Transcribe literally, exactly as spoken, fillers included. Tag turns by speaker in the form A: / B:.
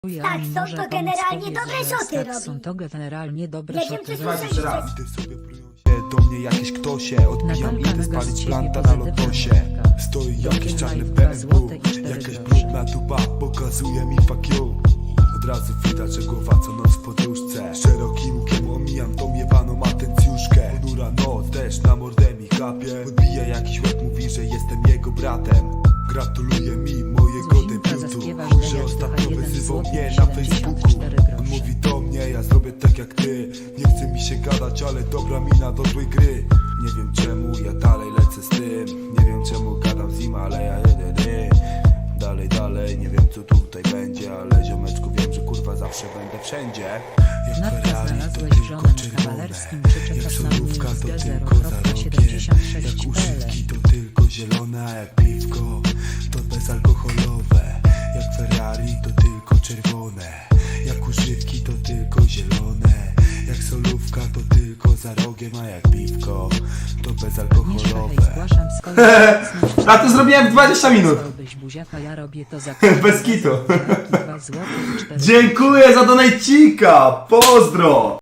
A: Tak, są
B: może
A: to
B: pomóc
A: generalnie
B: powiedzieć,
A: dobre
B: że
A: szoty
B: tak,
A: robi.
B: są to generalnie dobre
A: Nie wiem,
B: szoty.
A: czy
C: Słuchajcie
A: słyszeliście.
C: jeszcze raz. Ty sobie plują się do mnie jakieś ktosie. Odbijam,
B: Natalka
C: idę
B: mega z
C: spalić
B: ciebie
C: planta na
B: pozytywna
C: lotosie.
B: matka.
C: Stoi
B: Do
C: jakiś
B: Kill
C: czarny
B: Life
C: B
B: dwa
C: M W.
B: złote i cztery
C: Jakaś
B: grosze.
C: brudna tuba pokazuje mi fuck you. Od razu widać, że głowa co noc w podróżce. Szerokim łukiem omijam tą jebaną atencjuszkę. Ponura noc, deszcz na mordę mi kapie. Podbija jakiś łeb, mówi, że jestem jego bratem. Gratuluje mi mojego
B: Zuzinka,
C: debiutu.
B: zaśpiewasz
C: Chuj,
B: deniak
C: że
B: trochę
C: ostatnio
B: jeden
C: wyzywał
B: złoty
C: mnie
B: i
C: na
B: siedemdziesiąt
C: Facebooku.
B: cztery
C: On
B: grosze.
C: mówi do mnie, ja zrobię tak jak ty. Nie chce mi się gadać, ale dobra mina do złej gry. Nie wiem czemu ja dalej lecę z tym. Nie wiem czemu gadam z nim, ale ja jedę dy. Dalej, dalej, nie wiem co tutaj będzie. Ale ziomeczku wiem, że kurwa zawsze będę wszędzie. Jak
B: Natka,
C: Ferrari to
B: znalazłeś
C: tylko
B: żonę na
C: czerwone.
B: kawalerskim, czy
C: Jak
B: czekasz na
C: solówka
B: mnie z
C: to
B: G zero
C: tylko za
B: kropka
C: rogiem.
B: siedemdziesiąt sześć
C: Jak
B: P L.
C: używki to tylko zielone, a jak piwko to bezalkoholowe. Jak Ferrari to tylko czerwone. Jak używki to tylko zielone. Jak solówka to tylko za rogiem, a jak piwko to
B: Agnieszka, hej,
C: bezalkoholowe.
B: zgłaszam swoją obecność.
D: A to zrobiłem w dwadzieścia minut.
B: Chciałbyś buziaka, ja robię to za
D: Bez kitu.
B: dwa złote i cztery
D: Dziękuję za donajcika! Pozdro!